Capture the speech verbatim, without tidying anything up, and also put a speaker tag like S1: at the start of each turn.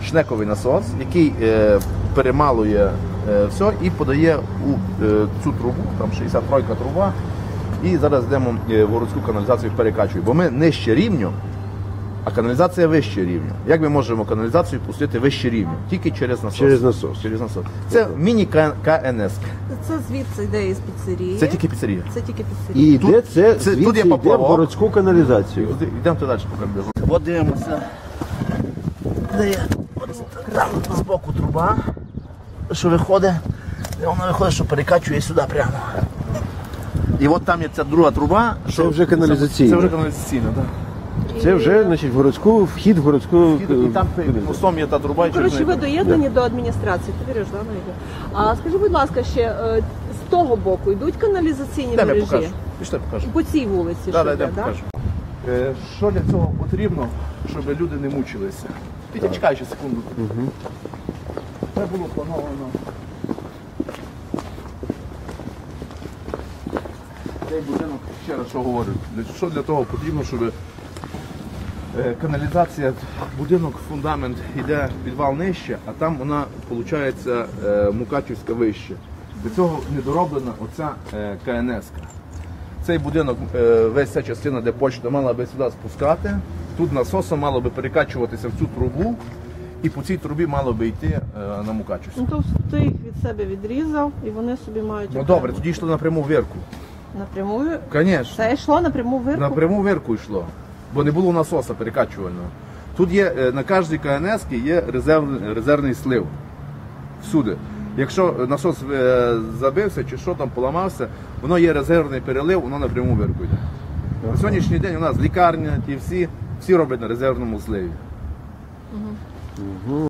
S1: шнековий насос, який е, перемалує е, все і подає у е, цю трубу, там шістдесят три труба, і зараз йдемо в городську каналізацію перекачуємо. Бо ми нижче рівню, а каналізація вище рівня. Як ми можемо каналізацію пустити вище рівня? Тільки через насос.
S2: Через насос.
S1: Через насос. Це міні-КНС.
S3: Це звідси йде із піцерії.
S1: Це тільки піцерія.
S3: Це тільки
S2: І
S3: піцерія.
S2: йде це,
S1: це-
S2: звідси
S1: тут є
S2: йде в
S1: поплавок.
S2: городську каналізацію.
S1: Йдемо туди далі покажемо. От дивимося. Де є там збоку труба, що виходить, і вона виходить, що перекачує сюди прямо. І от там є ця друга труба.
S2: Це вже каналізаційна.
S1: Це вже каналізаційна, так.
S2: Це вже, значить, в городську, вхід в городську
S1: І там мостом є та труба. і через
S3: Коротше,
S1: неї-
S3: ви доєднані до адміністрації. Ти віриш, да, Найде? А скажи, будь ласка, ще е, з того боку йдуть каналізаційні
S1: Йдемо, я
S3: мережі?
S1: покажу. Пішли, покажу.
S3: По цій вулиці,
S1: Да,
S3: що
S1: да,
S3: йде,
S1: йдемо,
S3: да?
S1: покажу. Е, Що для цього потрібно, щоб люди не мучилися? Пітя, чекай ще секунду. Це було плановано. Цей будинок, ще раз що говорю, для- що для того потрібно, щоб е, каналізація, будинок, фундамент йде підвал нижче, а там вона, виходить, е, Мукачівська вище. Для цього недороблена оця е, КНС-ка. Цей будинок, е, весь ця частина, де почта, мала би сюди спускати. Тут насосом мало би перекачуватися в цю трубу, і по цій трубі мало би йти е, на Мукачівську.
S3: Ну, то ти їх від себе відрізав, і вони собі мають...
S1: Ну
S3: окремо.
S1: добре, тоді йшло напряму в Вірку.
S3: Напряму?
S1: Звісно.
S3: Це йшло напряму в Вирку?
S1: Напряму в Вірку йшло, бо не було насоса перекачувального. Тут є, е, на кожній КНС є резерв, резервний слив. Всюди. Якщо насос е, забився чи що там поламався, воно є резервний перелив, воно напряму в Вірку йде. На сьогоднішній день у нас лікарня, ті всі, всі роблять на резервному сливі.